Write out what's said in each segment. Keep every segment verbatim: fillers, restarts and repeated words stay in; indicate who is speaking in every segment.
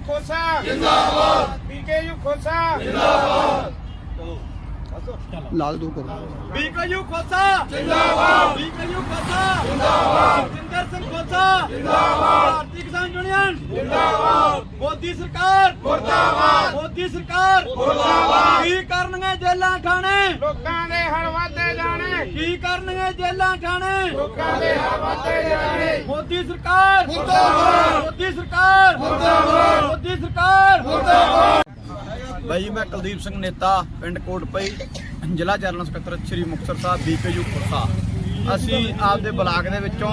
Speaker 1: खोसा जिंदाबाद, बीकेयू खोसा जिंदाबाद,
Speaker 2: लाल दूर करो।
Speaker 1: बीकेयू खोसा जिंदाबाद, बीकेयू खोसा जिंदाबाद, जिंदर सिंह खोसा जिंदाबाद, भारतीय किसान यूनियन जिंदाबाद, मोदी सरकार मुर्दाबाद, मोदी सरकार मुर्दाबाद। की करनगे जेलां ठाणे लोकां दे हल वाधे जाने, की करनगे जेलां ठाणे लोकां दे हल वाधे जाने। मोदी सरकार मुर्दाबाद, मोदी सरकार मुर्दाबाद, मोदी सरकार मुर्दाबाद।
Speaker 3: भाई मैं कुलदीप सिंह नेता पिंड कोटपई ਜ਼ਿਲ੍ਹਾ ਜਨਰਲ ਸਕੱਤਰ ਸ਼੍ਰੀ ਮੁਕਤਸਰ ਸਾਹਿਬ ਬੀਕੇਯੂ ਖੋਸਾ। ਅਸੀਂ ਆਪਦੇ ਬਲਾਕ ਦੇ ਵਿੱਚੋਂ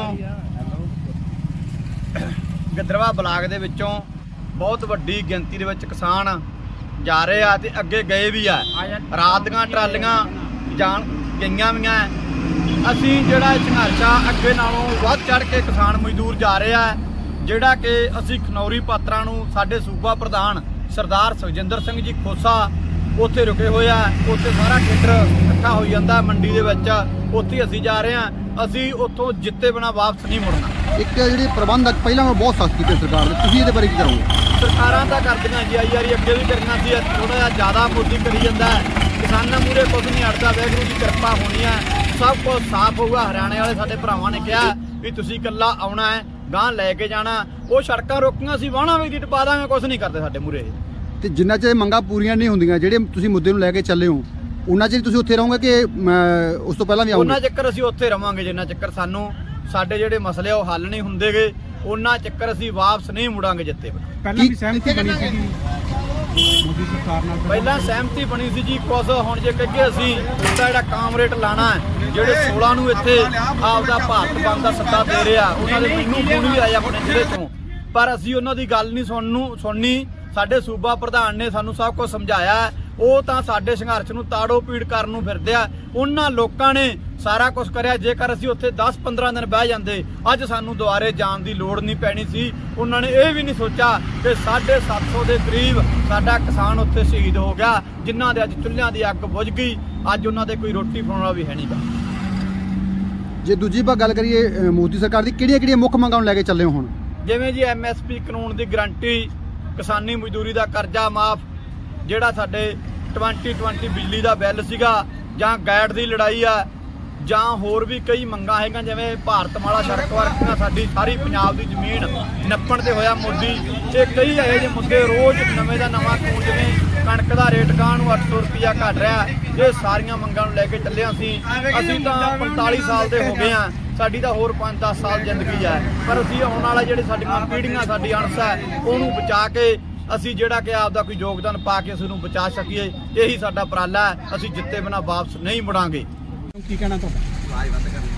Speaker 3: ਗਿੱਦੜਵਾ ਬਲਾਕ ਦੇ ਵਿੱਚੋਂ ਬਹੁਤ ਵੱਡੀ ਗਿਣਤੀ ਦੇ ਵਿੱਚ ਕਿਸਾਨ ਜਾ ਰਹੇ ਆ ਤੇ ਅੱਗੇ ਗਏ ਵੀ ਆ। ਰਾਤ ਦੀਆਂ ਟਰਾਲੀਆਂ ਜਾਣ ਗਈਆਂ ਵੀ ਆ। ਅਸੀਂ ਜਿਹੜਾ ਸੰਘਰਸ਼ ਆ ਅੱਗੇ ਨਾਲੋਂ ਵੱਧ ਚੜ ਕੇ ਕਿਸਾਨ ਮਜ਼ਦੂਰ ਜਾ ਰਹੇ ਆ। ਜਿਹੜਾ ਕਿ ਅਸੀਂ ਖਨੌਰੀ ਪਾਤਰਾਂ ਨੂੰ ਸਾਡੇ ਸੂਬਾ ਪ੍ਰਧਾਨ ਸਰਦਾਰ ਸੁਖਜਿੰਦਰ ਸਿੰਘ ਜੀ ਖੋਸਾ ਉੱਥੇ ਰੁਕੇ ਹੋਏ ਆ। ਉੱਥੇ ਸਾਰਾ ਖੇਤਰ ਇਕੱਠਾ ਹੋਈ ਜਾਂਦਾ ਮੰਡੀ ਦੇ ਵਿੱਚ, ਉੱਥੇ ਅਸੀਂ ਜਾ ਰਹੇ ਆ। ਅਸੀਂ ਉੱਥੋਂ ਜਿੱਤੇ ਬਿਨਾਂ ਵਾਪਸ ਨਹੀਂ ਮੁੜਨਾ।
Speaker 2: ਇੱਕ ਜਿਹੜੀ ਪ੍ਰਬੰਧਕ ਪਹਿਲਾਂ ਨਾਲੋਂ ਬਹੁਤ ਸਖਤ ਕੀਤੇ ਸਰਕਾਰ ਨੇ, ਤੁਸੀਂ ਇਹਦੇ ਬਾਰੇ ਕੀ ਕਰੋਗੇ?
Speaker 3: ਸਰਕਾਰਾਂ ਤਾਂ ਕਰਦੀਆਂ ਜੀ ਆਈ ਵਾਰੀ, ਅੱਗੇ ਵੀ ਕਰਨਾ ਸੀ। ਥੋੜਾ ਜਿਹਾ ਜ਼ਿਆਦਾ ਮੋਦੀ ਕਰੀ ਜਾਂਦਾ। ਕਿਸਾਨਾਂ ਮੂਹਰੇ ਕੁਝ ਨਹੀਂ ਅੜਦਾ। ਵਾਹਿਗੁਰੂ ਦੀ ਕਿਰਪਾ ਹੋਣੀ ਹੈ, ਸਭ ਕੁਝ ਸਾਫ਼ ਹੋਊਗਾ। ਹਰਿਆਣੇ ਵਾਲੇ ਸਾਡੇ ਭਰਾਵਾਂ ਨੇ ਕਿਹਾ ਵੀ ਤੁਸੀਂ ਇਕੱਲਾ ਆਉਣਾ ਹੈ, ਗਾਂ ਲੈ ਕੇ ਜਾਣਾ। ਉਹ ਸੜਕਾਂ ਰੋਕੀਆਂ ਸੀ, ਵਾਹਣਾ ਵੀ ਦੀ ਟਪਾ ਦਾਂਗੇ, ਕੁਝ ਨਹੀਂ ਕਰਦੇ ਸਾਡੇ ਮੂਹਰੇ।
Speaker 2: ਤੇ ਜਿੰਨਾ ਚਿਰ ਮੰਗਾਂ ਪੂਰੀਆਂ ਨਹੀਂ ਹੁੰਦੀਆਂ, ਜਿਹੜੇ ਤੁਸੀਂ ਮੁੱਦੇ ਨੂੰ ਲੈ ਕੇ ਚੱਲੇ ਹੋ, ਉਹਨਾਂ ਚਿਰ ਤੁਸੀਂ ਉੱਥੇ ਰਹੋਗੇ ਕਿ ਉਸ ਤੋਂ ਪਹਿਲਾਂ ਵੀ ਆਉਂਗੇ?
Speaker 3: ਉਹਨਾਂ ਚੱਕਰ ਅਸੀਂ ਉੱਥੇ ਰਵਾਂਗੇ ਜਿੰਨਾ ਚੱਕਰ ਸਾਨੂੰ ਸਾਡੇ ਜਿਹੜੇ ਮਸਲੇ ਉਹ ਹੱਲ ਨਹੀਂ ਹੁੰਦੇਗੇ। ਉਹਨਾਂ ਚੱਕਰ ਅਸੀਂ ਵਾਪਸ ਨਹੀਂ ਮੁੜਾਂਗੇ ਜਿੱਤੇ।
Speaker 4: ਪਹਿਲਾਂ ਵੀ ਸਹਿਮਤੀ ਬਣੀ ਸੀ ਮੋਦੀ ਸਰਕਾਰ ਨਾਲ,
Speaker 3: ਪਹਿਲਾਂ ਸਹਿਮਤੀ ਬਣੀ ਸੀ ਜੀ ਕੁਝ। ਹੁਣ ਜੇ ਕਹੀਏ ਅਸੀਂ ਉਹਦਾ ਜਿਹੜਾ ਕਾਮਰੇਟ ਲਾਣਾ ਹੈ, ਜਿਹੜੇ ਸੋਲਾਂ ਨੂੰ ਇੱਥੇ ਆਪਦਾ ਭਾਰਤ ਬੰਦ ਦਾ ਸੱਦਾ ਦੇ ਰਿਹਾ, ਉਹਨਾਂ ਦੇ ਮੈਨੂੰ ਫੋਨ ਵੀ ਆਇਆ ਆਪਣੇ ਜ਼ਿਲ੍ਹੇ ਤੋਂ, ਪਰ ਅਸੀਂ ਉਹਨਾਂ ਦੀ ਗੱਲ ਨਹੀਂ ਸੁਣਨ ਸੁਣਨੀ। ਸਾਡੇ ਸੂਬਾ ਪ੍ਰਧਾਨ ਨੇ ਸਾਨੂੰ ਸਭ ਕੁਝ ਸਮਝਾਇਆ। ਉਹ ਤਾਂ ਸਾਡੇ ਸੰਘਰਸ਼ ਨੂੰ ਤਾੜੋ ਪੀੜ ਕਰਨ ਨੂੰ ਫਿਰਦੇ ਆ। ਉਹਨਾਂ ਲੋਕਾਂ ਨੇ ਸਾਰਾ ਕੁਝ ਕਰਿਆ। ਜੇਕਰ ਅਸੀਂ ਉੱਥੇ ਦਸ ਪੰਦਰਾਂ ਦਿਨ ਬਹਿ ਜਾਂਦੇ, ਅੱਜ ਸਾਨੂੰ ਦੁਬਾਰੇ ਜਾਣ ਦੀ ਲੋੜ ਨਹੀਂ ਪੈਣੀ ਸੀ। ਉਹਨਾਂ ਨੇ ਇਹ ਵੀ ਨਹੀਂ ਸੋਚਿਆ ਕਿ ਸਾਢੇ ਸੱਤ ਸੌ ਦੇ ਕਰੀਬ ਸਾਡਾ ਕਿਸਾਨ ਉੱਥੇ ਸ਼ਹੀਦ ਹੋ ਗਿਆ, ਜਿਨ੍ਹਾਂ ਦੇ ਅੱਜ ਚੁੱਲ੍ਹਿਆਂ ਦੀ ਅੱਗ ਬੁਝ ਗਈ। ਅੱਜ ਉਹਨਾਂ ਦੇ ਕੋਈ ਰੋਟੀ ਬਣਾਉਣ ਵਾਲਾ ਵੀ ਹੈ ਨਹੀਂ ਗਾ।
Speaker 2: ਜੇ ਦੂਜੀ ਵਾਰ ਗੱਲ ਕਰੀਏ ਮੋਦੀ ਸਰਕਾਰ ਦੀ, ਕਿਹੜੀਆਂ ਕਿਹੜੀਆਂ ਮੁੱਖ ਮੰਗਾਂ ਨੂੰ ਲੈ ਕੇ ਚੱਲੇ ਹੋ ਹੁਣ?
Speaker 3: ਜਿਵੇਂ ਜੀ ਐਮ ਐਸ ਪੀ ਕਾਨੂੰਨ ਦੀ ਗਰੰਟੀ, ਕਿਸਾਨੀ ਮਜ਼ਦੂਰੀ ਦਾ ਕਰਜ਼ਾ ਮਾਫ, ਜਿਹੜਾ ਸਾਡੇ ਟਵੰਟੀ ਟਵੰਟੀ ਬਿਜਲੀ ਦਾ ਬਿੱਲ ਸੀਗਾ, ਜਾਂ ਗੈਟ ਦੀ ਲੜਾਈ ਆ, ਜਾਂ ਹੋਰ ਵੀ ਕਈ ਮੰਗਾਂ ਹੈਗੀਆਂ। ਜਿਵੇਂ ਭਾਰਤਮਾਲਾ ਸੜਕ ਵਰਗੀਆਂ ਸਾਡੀ ਸਾਰੀ ਪੰਜਾਬ ਦੀ ਜ਼ਮੀਨ ਨੱਪਣ ਤੇ ਹੋਇਆ ਮੋਦੀ। ਇਹ ਕਈ ਇਹੋ ਜਿਹੇ ਮੁੱਦੇ ਰੋਜ਼ ਨਵੇਂ ਦਾ ਨਵਾਂ ਕਾਨੂੰਨ, ਜਿਵੇਂ ਕਣਕ ਦਾ ਰੇਟ ਗਾਂ ਨੂੰ ਅੱਠ ਸੌ ਰੁਪਇਆ ਘਟ ਰਿਹਾ। ਇਹ ਸਾਰੀਆਂ ਮੰਗਾਂ ਨੂੰ ਲੈ ਕੇ ਚੱਲੇ ਅਸੀਂ। ਅਸੀਂ ਤਾਂ ਪੰਤਾਲੀ ਸਾਲ ਦੇ ਹੋ ਗਏ ਆ, ਸਾਡੀ ਤਾਂ ਹੋਰ ਪੰਜ ਦਸ ਸਾਲ ਜ਼ਿੰਦਗੀ ਹੈ, ਪਰ ਅਸੀਂ ਆਉਣ ਵਾਲਾ ਜਿਹੜੇ ਸਾਡੀਆਂ ਪੀੜ੍ਹੀਆਂ, ਸਾਡੀ ਅਣਸ ਹੈ, ਉਹਨੂੰ ਬਚਾ ਕੇ ਅਸੀਂ ਜਿਹੜਾ ਕਿ ਆਪਦਾ ਕੋਈ ਯੋਗਦਾਨ ਪਾ ਕੇ ਅਸੀਂ ਨੂੰ ਬਚਾ ਸਕੀਏ। ਇਹੀ ਸਾਡਾ ਉਪਰਾਲਾ ਹੈ। ਅਸੀਂ ਜਿੱਤੇ ਬਿਨਾਂ ਵਾਪਸ ਨਹੀਂ ਮੁੜਾਂਗੇ।
Speaker 4: ਕੀ ਕਹਿਣਾ ਤੁਹਾਡਾ?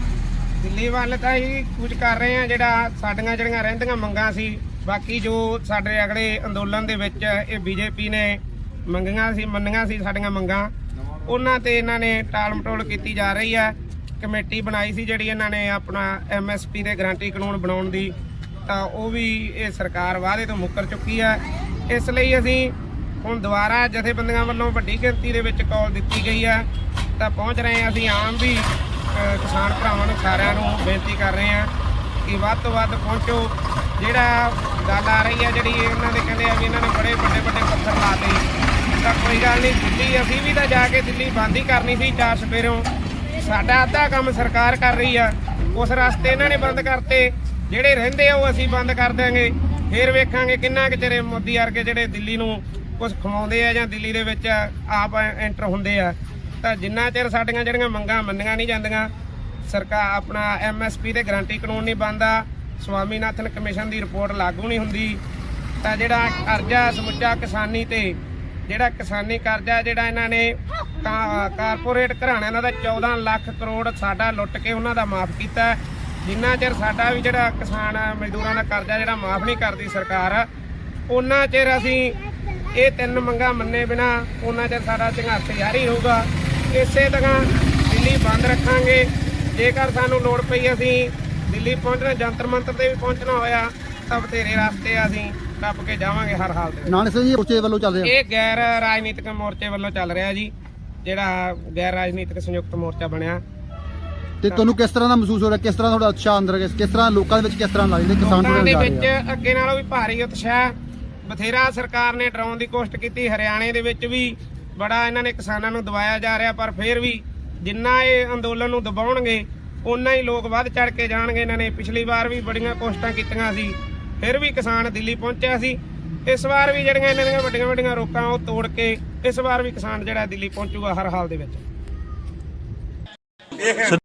Speaker 1: ਦਿੱਲੀ ਵੱਲ ਤਾਂ ਹੀ ਕੁਝ ਕਰ ਰਹੇ ਆ, ਜਿਹੜਾ ਸਾਡੀਆਂ ਜਿਹੜੀਆਂ ਰਹਿੰਦੀਆਂ ਮੰਗਾਂ ਸੀ। ਬਾਕੀ ਜੋ ਸਾਡੇ ਅਗਲੇ ਅੰਦੋਲਨ ਦੇ ਵਿੱਚ ਇਹ ਬੀਜੇਪੀ ਨੇ ਮੰਗੀਆਂ ਸੀ ਮੰਨੀਆਂ ਸੀ ਸਾਡੀਆਂ ਮੰਗਾਂ, ਉਹਨਾਂ ਤੇ ਇਹਨਾਂ ਨੇ ਟਾਲ ਮਟੋਲ ਕੀਤੀ ਜਾ ਰਹੀ ਹੈ। ਕਮੇਟੀ ਬਣਾਈ ਸੀ ਜਿਹੜੀ ਇਹਨਾਂ ਨੇ ਆਪਣਾ ਐਮ ਐਸ ਪੀ ਦੇ ਗਰੰਟੀ ਕਾਨੂੰਨ ਬਣਾਉਣ ਦੀ, ਤਾਂ ਉਹ ਵੀ ਇਹ ਸਰਕਾਰ ਵਾਅਦੇ ਤੋਂ ਮੁੱਕਰ ਚੁੱਕੀ ਹੈ। ਇਸ ਲਈ ਅਸੀਂ ਹੁਣ ਦੁਬਾਰਾ ਜਥੇਬੰਦੀਆਂ ਵੱਲੋਂ ਵੱਡੀ ਗਿਣਤੀ ਦੇ ਵਿੱਚ ਕਾਲ ਦਿੱਤੀ ਗਈ ਹੈ, ਤਾਂ ਪਹੁੰਚ ਰਹੇ ਹਾਂ। ਅਸੀਂ ਆਮ ਵੀ ਕਿਸਾਨ ਭਰਾਵਾਂ ਨੂੰ ਸਾਰਿਆਂ ਨੂੰ ਬੇਨਤੀ ਕਰ ਰਹੇ ਹਾਂ ਕਿ ਵੱਧ ਤੋਂ ਵੱਧ ਪਹੁੰਚੋ। ਜਿਹੜਾ ਗੱਲ ਆ ਰਹੀ ਹੈ ਜਿਹੜੀ ਇਹਨਾਂ ਦੇ ਕਹਿੰਦੇ ਆ ਵੀ ਇਹਨਾਂ ਨੇ ਬੜੇ ਵੱਡੇ ਵੱਡੇ ਪੱਥਰ ਲਾਤੇ, ਤਾਂ ਕੋਈ ਗੱਲ ਨਹੀਂ। ਦਿੱਲੀ ਅਸੀਂ ਵੀ ਤਾਂ ਜਾ ਕੇ ਦਿੱਲੀ ਬੰਦ ਹੀ ਕਰਨੀ ਸੀ ਚਾਰ ਸਵੇਰੋਂ। ਸਾਡਾ ਅੱਧਾ ਕੰਮ ਸਰਕਾਰ ਕਰ ਰਹੀ ਆ, ਉਸ ਰਸਤੇ ਇਹਨਾਂ ਨੇ ਬੰਦ ਕਰਤੇ। ਜਿਹੜੇ ਰਹਿੰਦੇ ਆ ਉਹ ਅਸੀਂ ਬੰਦ ਕਰ ਦਿਆਂਗੇ। ਫਿਰ ਵੇਖਾਂਗੇ ਕਿੰਨਾ ਕੁ ਚਿਰ ਮੋਦੀ ਵਰਗੇ ਜਿਹੜੇ ਦਿੱਲੀ ਨੂੰ ਕੁਝ ਖਵਾਉਂਦੇ ਆ ਜਾਂ ਦਿੱਲੀ ਦੇ ਵਿੱਚ ਆਪ ਐਂਟਰ ਹੁੰਦੇ ਆ। ਤਾਂ ਜਿੰਨਾ ਚਿਰ ਸਾਡੀਆਂ ਜਿਹੜੀਆਂ ਮੰਗਾਂ ਮੰਨੀਆਂ ਨਹੀਂ ਜਾਂਦੀਆਂ, ਸਰਕਾਰ ਆਪਣਾ ਐਮ ਐਸ ਪੀ ਤੇ ਗਰੰਟੀ ਕਾਨੂੰਨ ਨਹੀਂ ਬਣਦਾ, ਸਵਾਮੀਨਾਥਨ ਕਮਿਸ਼ਨ ਦੀ ਰਿਪੋਰਟ ਲਾਗੂ ਨਹੀਂ ਹੁੰਦੀ, ਤਾਂ ਜਿਹੜਾ ਕਰਜ਼ਾ ਸਮੁੱਚਾ ਕਿਸਾਨੀ ਤੇ ਜਿਹੜਾ ਕਿਸਾਨੀ ਕਰਜ਼ਾ ਜਿਹੜਾ ਇਹਨਾਂ ਨੇ ਕਾਰਪੋਰੇਟ ਘਰਾਣਿਆਂ ਦਾ ਚੌਦਾਂ ਲੱਖ ਕਰੋੜ ਸਾਡਾ ਲੁੱਟ ਕੇ ਉਹਨਾਂ ਦਾ ਮਾਫ ਕੀਤਾ। ਜਿੰਨਾ ਚਿਰ ਸਾਡਾ ਵੀ ਜਿਹੜਾ ਕਿਸਾਨ ਮਜ਼ਦੂਰਾਂ ਦਾ ਕਰਜ਼ਾ ਜਿਹੜਾ ਮਾਫ ਨਹੀਂ ਕਰਦੀ ਸਰਕਾਰ, ਉਹਨਾਂ ਚਿਰ ਅਸੀਂ ਇਹ ਤਿੰਨ ਮੰਗਾਂ ਮੰਨੇ ਬਿਨਾ ਉਹਨਾਂ ਚਿਰ ਸਾਡਾ ਸੰਘਰਸ਼ ਜਾਰੀ ਰਹੂਗਾ। ਇਸੇ ਤਰ੍ਹਾਂ ਦਿੱਲੀ ਬੰਦ ਰੱਖਾਂਗੇ। ਜੇਕਰ ਸਾਨੂੰ ਲੋੜ ਪਈ ਅਸੀਂ ਦਿੱਲੀ ਪਹੁੰਚਣਾ, ਜੰਤਰ ਮੰਤਰ ਤੇ ਵੀ ਪਹੁੰਚਣਾ ਹੋਇਆ, ਤਾਂ ਬਥੇਰੇ ਰਸਤੇ ਅਸੀਂ ਟੱਪ ਕੇ ਜਾਵਾਂਗੇ ਹਰ ਹਾਲ ਦੇ।
Speaker 2: ਨਾਨਕ ਸਿੰਘ ਜੀ ਮੋਰਚੇ ਵੱਲੋਂ ਚੱਲ ਰਿਹਾ,
Speaker 1: ਇਹ ਗੈਰ ਰਾਜਨੀਤਿਕ ਮੋਰਚੇ ਵੱਲੋਂ ਚੱਲ ਰਿਹਾ ਜੀ, ਜਿਹੜਾ ਗੈਰ ਰਾਜਨੀਤਿਕ ਸੰਯੁਕਤ ਮੋਰਚਾ ਬਣਿਆ।
Speaker 2: ਤੇ ਤੁਹਾਨੂੰ ਕਿਸ ਤਰ੍ਹਾਂ ਦਾ ਮਹਿਸੂਸ ਹੋ ਰਿਹਾ? ਕਿਸ ਤਰ੍ਹਾਂ ਤੁਹਾਡਾ ਉਤਸ਼ਾਹ ਅੰਦਰ, ਕਿਸ ਤਰ੍ਹਾਂ ਲੋਕਾਂ ਦੇ ਵਿੱਚ ਕਿਸ ਤਰ੍ਹਾਂ ਲੱਗਦਾ? ਕਿਸਾਨ
Speaker 1: ਦੇ ਵਿੱਚ ਅੱਗੇ ਨਾਲੋਂ ਵੀ ਭਾਰੀ ਉਤਸ਼ਾਹ, ਬਥੇਰਾ ਸਰਕਾਰ ਨੇ ਡਰਾਉਣ ਦੀ ਕੋਸ਼ਿਸ਼ ਕੀਤੀ। ਹਰਿਆਣੇ ਦੇ ਵਿੱਚ ਵੀ ਬੜਾ ਇਹਨਾਂ ਨੇ ਕਿਸਾਨਾਂ ਨੂੰ ਦਬਾਇਆ ਜਾ ਰਿਹਾ, ਪਰ ਫਿਰ ਵੀ ਜਿੰਨਾ ਇਹ ਅੰਦੋਲਨ ਨੂੰ ਦਬਾਉਣਗੇ ਉਨਾ ਹੀ ਲੋਕ ਵੱਧ ਚੜ ਕੇ ਜਾਣਗੇ। ਇਹਨਾਂ ਨੇ ਪਿਛਲੀ ਵਾਰ ਵੀ ਬੜੀਆਂ ਕੋਸ਼ਿਸ਼ਾਂ ਕੀਤੀਆਂ ਸੀ, ਫਿਰ ਵੀ ਕਿਸਾਨ ਦਿੱਲੀ ਪਹੁੰਚਿਆ ਸੀ। ਇਸ ਵਾਰ ਵੀ ਜਿਹੜੀਆਂ ਇਹਨਾਂ ਦੀਆਂ ਵੱਡੀਆਂ ਵੱਡੀਆਂ ਰੋਕਾਂ ਉਹ ਤੋੜ ਕੇ ਇਸ ਵਾਰ ਵੀ ਕਿਸਾਨ ਜਿਹੜਾ ਦਿੱਲੀ ਪਹੁੰਚੂਗਾ ਹਰ ਹਾਲ ਦੇ ਵਿੱਚ।